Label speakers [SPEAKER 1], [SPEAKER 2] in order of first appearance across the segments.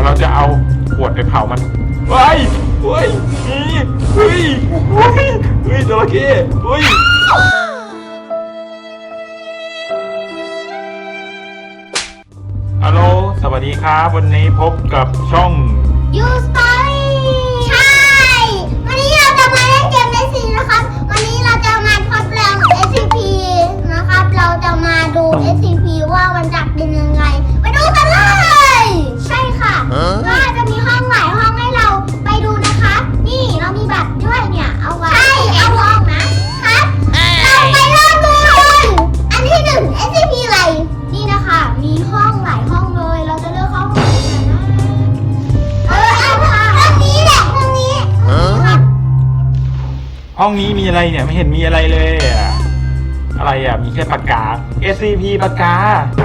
[SPEAKER 1] เราจะเอาขวดไปเผามันเฮ้ยเฮ้ยเฮ้ยเฮ้ยเฮ้ยจระเข้เฮ้ยฮัลโหลสวัสดีครับวันนี้พบกับช่อง
[SPEAKER 2] ยูสตอรี่ใช่วันนี้เราจะมาเล่นเกมในซีนะครับวันนี้เราจะมาทดลอง SCP นะครับเราจะมาดู SCP ว่ามันจับเป็นยังไงไปดูกันเลยใช่ค่ะก็จะมีห้องหลายห้องให้เราไปดูนะคะนี่เรามีบัตรด้วยเนี่ยเอาไว้เอาห้องนะครับเราไปเริ่มดูเลยอันที่1 SCP อะไรนี่นะคะมีห้องหลายห้องเลยเราจะเลือกห้องไหนกันนะเอาค่ะห้องนี้แหละห้องนี้ครับ
[SPEAKER 1] ห้องนี้มีอะไรเนี่ยไม่เห็นมีอะไรเลยอะอะไรอ่ะมีแค่ปากกา SCP ปากกา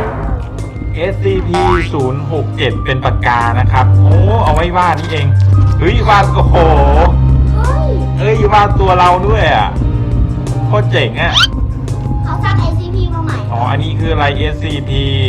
[SPEAKER 1] SCP 067เป็นปากกานะครับโอ้เอาไว้วาดนี่เองเฮ้ยวาดโอ้โหเฮ้ยวาดตัวเราด้วยอ่ะโคตรเจ๋งอ่ะ
[SPEAKER 2] เขาสร้าง SCP มาใหม่
[SPEAKER 1] อ๋ออันนี้คืออะไร SCP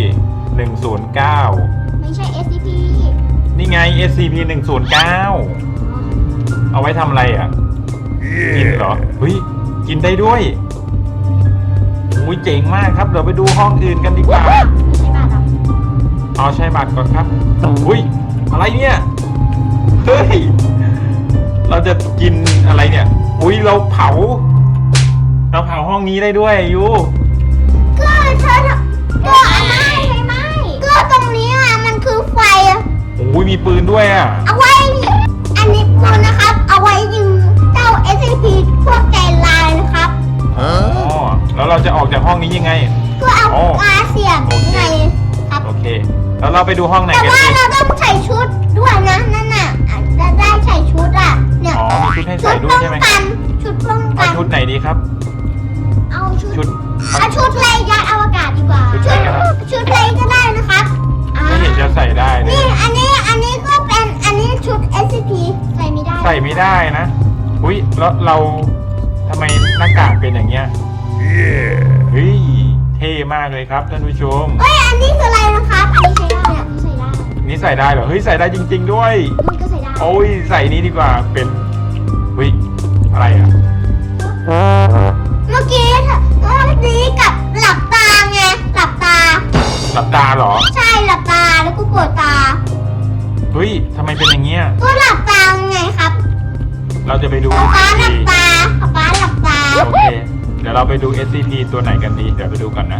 [SPEAKER 1] 109
[SPEAKER 2] ไม่ใช่ SCP
[SPEAKER 1] นี่ไง SCP 109เอาไว้ทำอะไรอ่ะกินเหรอเฮ้ยกินได้ด้วยอุ้ยเจ๋งมากครับเดี๋ยวไปดูห้องอื่นกันดีกว่า
[SPEAKER 2] ไม่ใช่บ้านเรา
[SPEAKER 1] เอาใช้บัตรก่อนครับอุ้ยอะไรเนี่ยเฮ้ยเราจะกินอะไรเนี่ยอุ้ยเราเผาห้องนี้ได้ด้วยยู
[SPEAKER 2] ก็เธอก็ไม่ก็ตรงนี้อ่ะมันคือไฟ
[SPEAKER 1] อุ้ยมีปืนด้วยอ่ะ
[SPEAKER 2] เอาไว้อันนี้ปืนนะครับเอาไว้ยิงเจ้า SCP พวกใจลายนะครับ
[SPEAKER 1] อ๋อแล้วเราจะออกจากห้องนี้ยังไง
[SPEAKER 2] ก็เอาปลาเสียบไงครับ
[SPEAKER 1] โอเคแล้วเราไปดูห้องไหน
[SPEAKER 2] แต่
[SPEAKER 1] กัน
[SPEAKER 2] ว่า
[SPEAKER 1] ดี
[SPEAKER 2] เราต้องใส่ชุดด้วยนะนั่นน่ะจะได้ใส่ชุดอ่ะเนี่ย
[SPEAKER 1] อ๋อมีชุดให้ใส่ด้วยใช่ไหม
[SPEAKER 2] ชุดป้องกั
[SPEAKER 1] เอา
[SPEAKER 2] น
[SPEAKER 1] ชุดไหนดีครับ
[SPEAKER 2] เอาชุ
[SPEAKER 1] ชุ
[SPEAKER 2] ด
[SPEAKER 1] ด
[SPEAKER 2] เอาชุดเลยยัดอวกาศดีกว่า
[SPEAKER 1] ชุดอะไรครับ
[SPEAKER 2] ชุดเลยก็ได้นะครับอ่า
[SPEAKER 1] ไม่เห็นจะใส่ได้เลย
[SPEAKER 2] นี่อันนี้ก็เป็นอันนี้ชุด SCP ใส่ไม่ได้
[SPEAKER 1] ใส่ไม่ได้นะอุ้ยแล้วเราทำไมหน้ากากเป็นอย่างเงี้ยเฮ้ยเท่มากเลยครับท่านผู้ชม
[SPEAKER 2] เอ้ยอันนี้คืออะไรนะครับอันนี้ใช้ได้เนี่ยใส่ได้
[SPEAKER 1] นี่ใส่ได้เหรอเฮ้ยใส่ได้จริง ๆด้วย
[SPEAKER 2] มันก็ใส่ได้
[SPEAKER 1] โอ้ยใส่นี้ดีกว่าเป็นเฮ้ยอะไรอ่ะ
[SPEAKER 2] เมื่อกี้กับหลับตาไงหลับตา
[SPEAKER 1] หลับตาเหรอ
[SPEAKER 2] ใช่หลับตาแล้วก็ปวดตา
[SPEAKER 1] เฮ้ยทำไมเป็นอย่างเงี้ย
[SPEAKER 2] ก็หลับตาไงครับ
[SPEAKER 1] เราจะไปดู
[SPEAKER 2] ป๊าหลับ
[SPEAKER 1] SCP
[SPEAKER 2] ตาป๊าหลับตา
[SPEAKER 1] โอเคเดี๋ยวเราไปดู SCP ตัวไหนกันดีเดี๋ยวไปดูก่อนนะ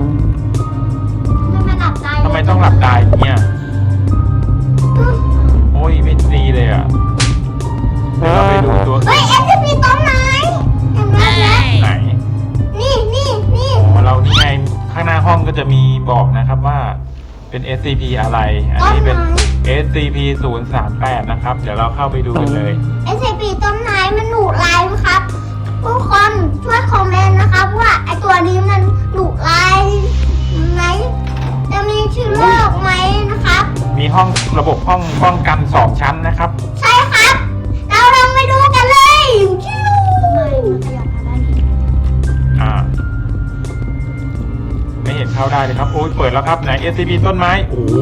[SPEAKER 2] ไม่หลับตา
[SPEAKER 1] ทำไมต้องหลับตาอย่างเงี้ยโอ้ยไม่ดีเลยอ่ะเดี๋ยวเราไปดูตัว
[SPEAKER 2] เฮ้ย SCP ต้นไม้เห็นไหมเนี่ย
[SPEAKER 1] ไหน
[SPEAKER 2] นี่
[SPEAKER 1] อ๋อเรานี่ไงข้างหน้าห้องก็จะมีบอกนะครับว่าเป็น SCP อะไร อันนี้เป็น SCP 038นะครับเดี๋ยวเราเข้าไปดูกันเลย
[SPEAKER 2] SCP ต้นไม้มันดุร้ายนะครับทุกคนช่วยคอมเมนต์นะครับว่าไอตัวนี้มันดุร้ายไหมจะมีเชื้อโรคไหมนะครับ
[SPEAKER 1] มีห้องระบบห้องป้องกัน2ชั้นนะครับ
[SPEAKER 2] ใช่ครับ เราลองไปดูกันเลยชิวมันขยับมาได้นี่
[SPEAKER 1] อ่า ไม่เห็นเข้าได้เลยครับโอ้ยเปิดแล้วครับไหน SCP ต้นไม้โอ้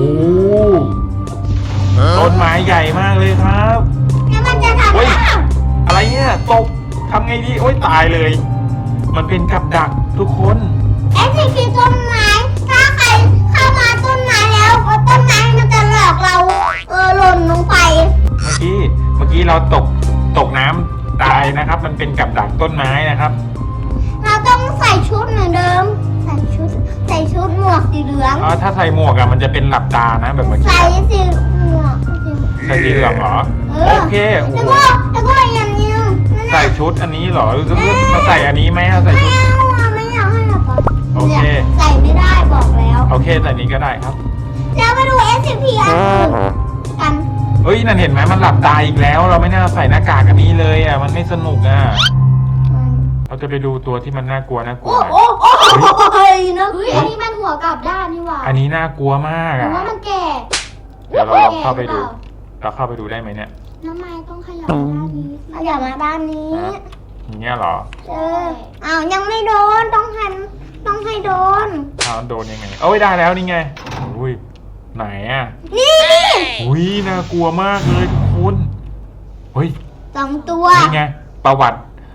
[SPEAKER 1] ต้นไม้ใหญ่มากเลยครับ
[SPEAKER 2] แล้วมันจะทำ
[SPEAKER 1] เฮ้ย
[SPEAKER 2] ได้
[SPEAKER 1] อะไรเนี่ยตกทำไงดีโอ้ยตายเลย มันเป็นกับดักทุกคน
[SPEAKER 2] SCP ต้นไม้ถ้าใครเข้ามาต้นไม้แล้วต้นไม้มันจะหลอกเราหล่นลงไป
[SPEAKER 1] เมื่อกี้เราตกน้ำตายนะครับ มันเป็นกับดักต้นไม้นะครับ
[SPEAKER 2] เราต้องใส่ชุดเหมือนเดิม ใส่ชุดหมวกสีเหลือง
[SPEAKER 1] อ๋อถ้าใส่หมวกอะมันจะเป็นหลับตานะแบบเมื่อกี้
[SPEAKER 2] ใส่สีหมวก
[SPEAKER 1] ใส่สีเหลืองเหรอโอเคโอ้โห
[SPEAKER 2] แล้วก็อย่างนี้นั่น
[SPEAKER 1] ใส่ชุดอันนี้เหรอหรือมาใส่อันนี้ไหมเอาใส่
[SPEAKER 2] ไม่
[SPEAKER 1] ชุด
[SPEAKER 2] เอาอะไม่อยากให้หลับตา
[SPEAKER 1] โอเค
[SPEAKER 2] ใส่ไม่ได้บอกแล้ว
[SPEAKER 1] โอเคใส่นี้ก็ได้ครับ
[SPEAKER 2] แล้วมาดู SCP อันอื่นกัน
[SPEAKER 1] เฮ้ยนั่นเห็นไหมมันหลับตาอีกแล้ว เราไม่น่าใส่หน้ากากอันนี้เลยอ่ะมันไม่สนุกอ่ะเราจะไปดูตัวที่มันน่ากลัวหน่อย
[SPEAKER 2] โอ้ยนะอันนี้มันหัวกลับด้านนี่หว่า
[SPEAKER 1] อันนี้น่ากลัวมาก
[SPEAKER 2] หรือ
[SPEAKER 1] อ่ะ
[SPEAKER 2] ว่ามันแก่
[SPEAKER 1] เดี๋ยวเราลองเข้าไปดูเราเข้าไปดูได้ไหมเนี่ย
[SPEAKER 2] น้ำไม้ต้องขยับมาด้านนี้ขยับมาด้านนี้
[SPEAKER 1] อย่างเงี้ยเหรอ
[SPEAKER 2] อ้าวยังไม่โดนต้องให้โดน
[SPEAKER 1] เอาโดนยังไงโอ้ยได้แล้วนี่ไงอุ้ยไหนอ่ะ
[SPEAKER 2] นี่
[SPEAKER 1] อุ้ยน่ากลัวมากเลยทุกคนเฮ้ย
[SPEAKER 2] 2 ตัว
[SPEAKER 1] นี่ไงประวัติ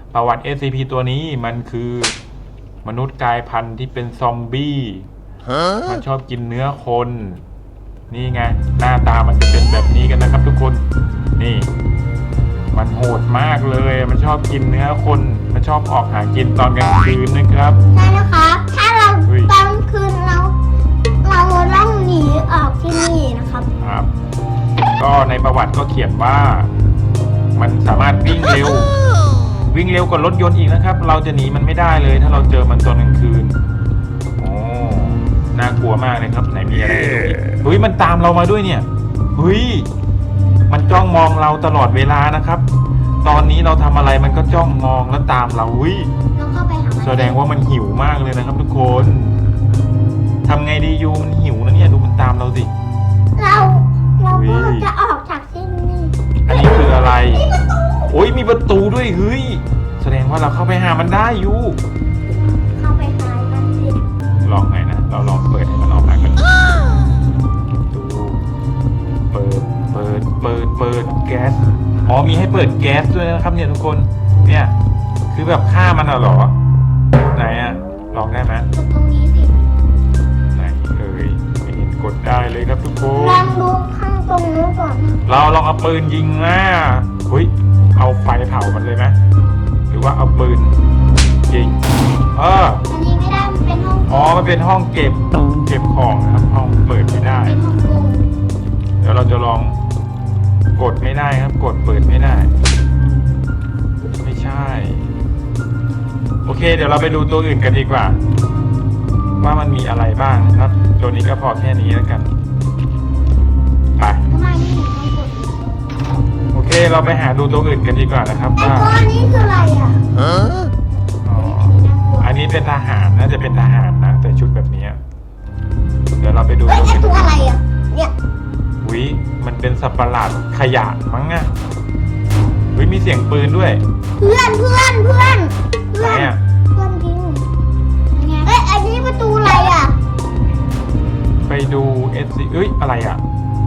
[SPEAKER 1] SCP ตัวนี้มันคือมนุษย์กลายพันธุ์ที่เป็นซอมบี้มันชอบกินเนื้อคน นี่ไงหน้าตามันจะเป็นแบบนี้กันนะครับทุกคนนี่ มันโหดมากเลยมันชอบกินเนื้อคนมันชอบออกหากินตอนกลางคืนนะครับ
[SPEAKER 2] ใช่นะครับ ถ้าเรา
[SPEAKER 1] เฮ้ย
[SPEAKER 2] ตอนคืนเราต้องหนีออกที่นี่นะครับ
[SPEAKER 1] ครับ ก็ในประวัติก็เขียนว่า มันสามารถวิ่งเร็ว วิ่งเร็วกว่ารถยนต์อีกนะครับ เราจะหนีมันไม่ได้เลย ถ้าเราเจอมันตอนกลางคืนโอ้น่ากลัวมากเลยครับไหนมีอะไรให้ดูอีกเฮ้ยมันตามเรามาด้วยเนี่ยเฮ้ยมันจ้องมองเราตลอดเวลานะครับ ตอนนี้เราทำอะไรมันก็จ้องมองแล้วตามเราเฮ้ย
[SPEAKER 2] ลองเข้าไปหามัน
[SPEAKER 1] แสดงว่ามันหิวมากเลยนะครับ ทุกคนทำไงดียูมันหิวนะเนี่ยดูมันตามเราสิ
[SPEAKER 2] เราก็
[SPEAKER 1] เฮ้ย
[SPEAKER 2] จะออกจากที่นี่
[SPEAKER 1] อันนี้คืออะไรโอ้ยมีประตูด้วยเฮ้ยแสดงว่าเราเข้าไปหามันได้ยู
[SPEAKER 2] เข้าไปหามันสิ
[SPEAKER 1] ลองไงนะเราลองเปิดให้มันออกมากันดูเปิดแก๊สอ๋อมีให้เปิดแก๊สด้วยนะครับเนี่ยทุกคนเนี่ยคือแบบฆ่ามันเหรอไหนอะลองได้ไหม
[SPEAKER 2] กดตรงนี้สิ
[SPEAKER 1] ไหนเอ่ยไม่เห็นกดได้เลยครับทุกค
[SPEAKER 2] ลอน งดูข้างตรงนู้นก่อน
[SPEAKER 1] เราลองเอาปืนยิงนะเฮ้ยเอาไฟเผามันเลยไหมหรือว่าเอาปืนยิง
[SPEAKER 2] อันนี้ไม่ได้มันเป็นห้อง
[SPEAKER 1] อ๋อมันเป็นห้องเก็บของนะครับห้องเปิดไม่ได้
[SPEAKER 2] เป็นห้องโกง
[SPEAKER 1] เดี๋ยวเราจะลองกดไม่ได้ครับกดเปิดไม่ได้ ไม่ใช่ โอเค เดี๋ยวเราไปดูตัวอื่นกันดีกว่า ว่ามันมีอะไรบ้างนะครับ ตัวนี้ก็พอแค่นี้แล้วกันไป
[SPEAKER 2] ทำไมนี่ต้องกด
[SPEAKER 1] โอเคเราไปหาดูตัวอื่นกันดีกว่านะครับ
[SPEAKER 2] ไอ้
[SPEAKER 1] ว่า
[SPEAKER 2] ตัวนี้คืออะไรอ่ะ
[SPEAKER 1] อ๋ออันนี้เป็นทหารน่าจะเป็นทหารนะแต่ชุดแบบนี้เดี๋ยวเราไปดู
[SPEAKER 2] เฮ้ย
[SPEAKER 1] ตัว
[SPEAKER 2] ไอ้
[SPEAKER 1] อื่น
[SPEAKER 2] ตัวอะไรอ่ะ เนี่ย
[SPEAKER 1] วิมันเป็นสัตว์ประหลาดขยะมั้งอะวิมีเสียงปืนด้วย
[SPEAKER 2] เพื่อน
[SPEAKER 1] ไหนอะ
[SPEAKER 2] เพื่อนจริงเฮ้ยอันนี้ประตูอะไรอ่ะ
[SPEAKER 1] ไปดู SC เอ้ยอะไรอะ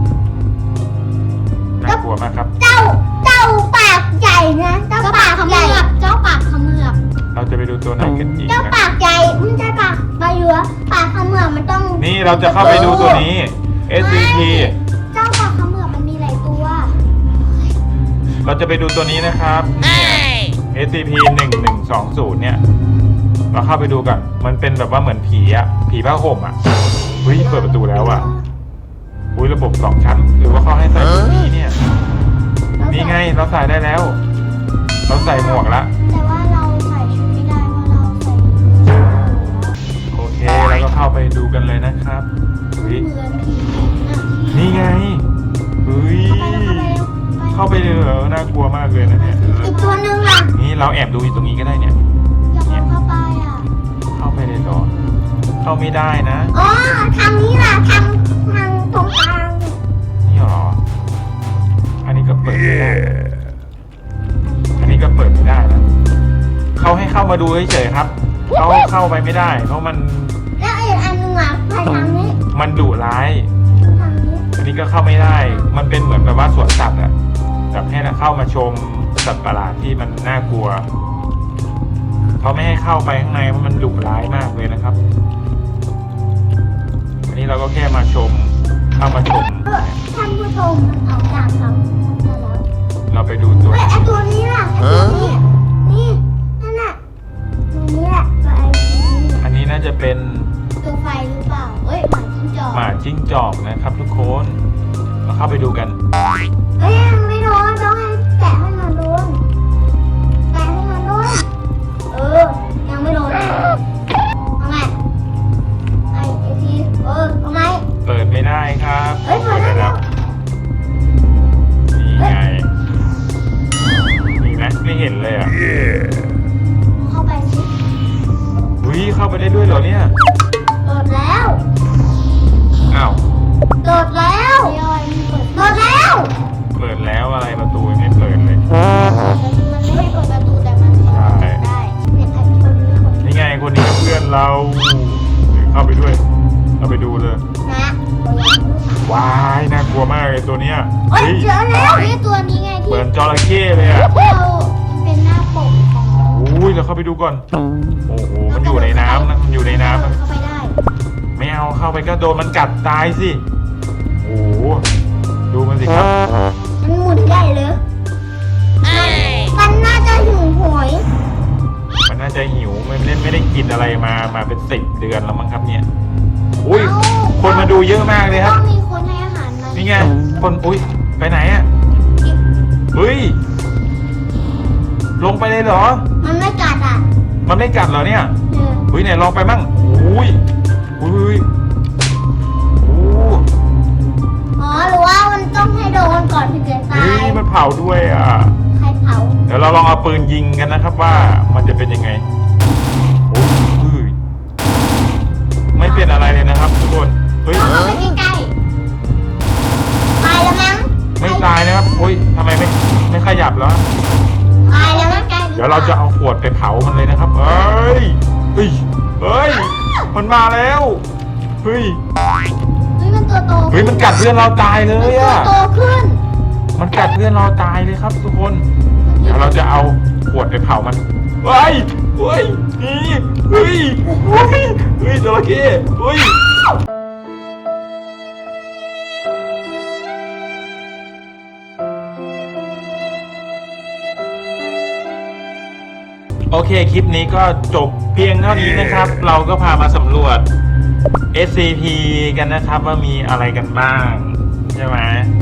[SPEAKER 1] น่ากลัวมากครับ
[SPEAKER 2] เจ้าปากใหญ่นะเจ้าปากใหญ่เจ้าปากเขมือบ
[SPEAKER 1] เราจะไปดูตัวไหนกันอีก
[SPEAKER 2] เจ้า
[SPEAKER 1] นะ
[SPEAKER 2] ปากใหญ่ไม่ใช่ปากใบเหลือปากเขมือบมันต้อง
[SPEAKER 1] นี่เราจะเข้าไปดูตัวนี้ SCP
[SPEAKER 2] เจ้าปากเขมือบมันมีหลายตัว
[SPEAKER 1] เราจะไปดูตัวนี้นะครับเนี่ย SCP 1120เนี่ยเราเข้าไปดูกันมันเป็นแบบว่าเหมือนผีอะผีผ้าห่มอะเฮ้ยเปิดประตูแล้วอะอุ้ยระบบ2 ชั้นหรือว่าเขาให้ใส่ชุดนี้เนี่ย นี่ไงเราใส่ได้แล้ว เราใส่หมวกละ
[SPEAKER 2] แต่ว่าเราใส่ชุดไม่ได้เพราะเราใส่ชุดแล้ว
[SPEAKER 1] โอเคแล้วก็เข้าไปดูกันเลยนะครับเฮ้ย
[SPEAKER 2] เหมือนผีนะ
[SPEAKER 1] นี่ไงเฮ้ยเข้าไปเลยเหรอน่ากลัวมากเลยนะเนี่ย
[SPEAKER 2] อีกตัวหนึ่งอ่ะ
[SPEAKER 1] นี่เราแอบดูอยู่ตรงนี้ก็ได้เนี่ย
[SPEAKER 2] อยากลองเข้าไปอ่ะ
[SPEAKER 1] เข้าไปเลยเหรอเข้าไม่ได้นะ
[SPEAKER 2] อ๋อทางนี้ล่ะทางตรงกลาง
[SPEAKER 1] นี่หรออันนี้ก็เปิดไม่ได้อันนี้ก็เปิดไม่ได้นะเขาให้เข้ามาดูเฉยๆครับเขาเข้าไปไม่ได้ เพราะมัน
[SPEAKER 2] แล้วอีกอันหนึงอ่ะไปทางนี้
[SPEAKER 1] มันดุร้าย
[SPEAKER 2] ทางนี้
[SPEAKER 1] อันนี้ก็เข้าไม่ได้ มันเป็นเหมือนแบบว่าสวนสัตว์อะแบบให้เราเข้ามาชมสัตว์ประหลาดที่มันน่ากลัวเขาไม่ให้เข้าไปข้างในเพราะมันดุร้ายมากเลยนะครับ อันนี้เราก็แค่มาชม เข้ามาชม
[SPEAKER 2] ท่านผู้ชมมันเอาจากครับได้แล้ว
[SPEAKER 1] เราไปดูตัว
[SPEAKER 2] เฮ้ยไอตัวนี้ล่ะไอตัวนี้นี่นั่นน่ะตัวนี้แหละตัวไอนี้
[SPEAKER 1] อันนี้น่าจะเป็น
[SPEAKER 2] ตัวไฟหรือเปล่าเอ้ยหมาจิ้งจอก
[SPEAKER 1] หมาจิ้งจอกนะครับ ทุกคนเราเข้าไปดูกัน
[SPEAKER 2] เอ้ยยังไม่โดนต้องให้แตะให้มันโดนแตะให้มันโดนยังไม่โดนเอาไงไอทีเอาไง
[SPEAKER 1] เปิดไม่ได้ครับ
[SPEAKER 2] เฮ้ยเปิดได้แล้ว
[SPEAKER 1] นี่ไงมีไหมไม่เห็นเลยอ่ะ
[SPEAKER 2] เข้าไปสิ
[SPEAKER 1] วิเข้าไปได้ด้วยเหรอเนี่ย
[SPEAKER 2] โดดแล้ว
[SPEAKER 1] อ้าว
[SPEAKER 2] โดดแล้วโดดแล้ว
[SPEAKER 1] เปิดแล้วอะไรประตูยังไม่เปิด
[SPEAKER 2] เอ้ยเจอแล้วนี่ตัวนี้ไงที่
[SPEAKER 1] เหมือนจระเข้เลยอ่ะ
[SPEAKER 2] เราเป็นหน้าปกของ
[SPEAKER 1] อุ้ยเราเข้าไปดูก่อนโอ้โหมันอยู่ในน้ำนะมันอยู่ในน้ำนะ
[SPEAKER 2] เข้าไปได้
[SPEAKER 1] ไม่เอาเข้าไปก็โดนมันกัดตายสิโอ้โหดูมันสิครับ
[SPEAKER 2] มันหมุนใหญ่เลยมันน่าจะหิวโหย
[SPEAKER 1] มันน่าจะหิวไม่ได้กินอะไรมาเป็น10 เดือนแล้วมั้งครับเนี่ยอุ้ยคนมาดูเยอะมากเลยครับ
[SPEAKER 2] ก็มีคนให้อาหารมัน
[SPEAKER 1] นี่ไงคนอุ้ยไปไหนอ่ะเฮ้ยลงไปเลยเหรอ
[SPEAKER 2] มันไม่กัดอ่ะ
[SPEAKER 1] มันไม่กัดเหรอเนี่ย
[SPEAKER 2] เออ
[SPEAKER 1] เฮ้ยไหนลองไปมั่งอุ้ยอุ้ยโอ้
[SPEAKER 2] อ๋อหรือว่ามันต้องให้โดนก่อนถึงจะตา
[SPEAKER 1] เฮ้
[SPEAKER 2] ย
[SPEAKER 1] ยมันเผาด้วยอ่ะ
[SPEAKER 2] ใครเผา
[SPEAKER 1] เดี๋ยวเราลองเอาปืนยิงกันนะครับว่ามันจะเป็นยังไงโอ้ยไม่เป็นอะไรเลยนะครับทุกคนเฮ้ย
[SPEAKER 2] เอาเข้าไปใกล้ๆตายแล้วมั้ง
[SPEAKER 1] ไม่ตายนะครับอุ้ยทำไมไม่ขยับแล้ว
[SPEAKER 2] ตายแล้วมั้งใกล้
[SPEAKER 1] เดี๋ยวเราจะเอาขวดไปเผามันเลยนะครับเฮ้ยเฮ้ยเฮ้ยมันมาแล้วเฮ้ย
[SPEAKER 2] เฮ้ยมันตัวโต
[SPEAKER 1] เฮ้ยมันกัดเพื่อนเราตายเล
[SPEAKER 2] มัน
[SPEAKER 1] ย
[SPEAKER 2] ตัว
[SPEAKER 1] อ่ะ
[SPEAKER 2] โตขึ้น
[SPEAKER 1] มันกัดเพื่อนเราตายเลยครับทุกคน เดี๋ยวเราจะเอาขวดไปเผามันเฮ้ยเฮ้ยนี่เฮ้ยเฮ้ยเฮ้ยจระเข้เฮ้ยโอเคคลิปนี้ก็จบเพียงเท่านี้นะครับ เราก็พามาสำรวจ SCP กันนะครับว่ามีอะไรกันบ้างใช่ไหม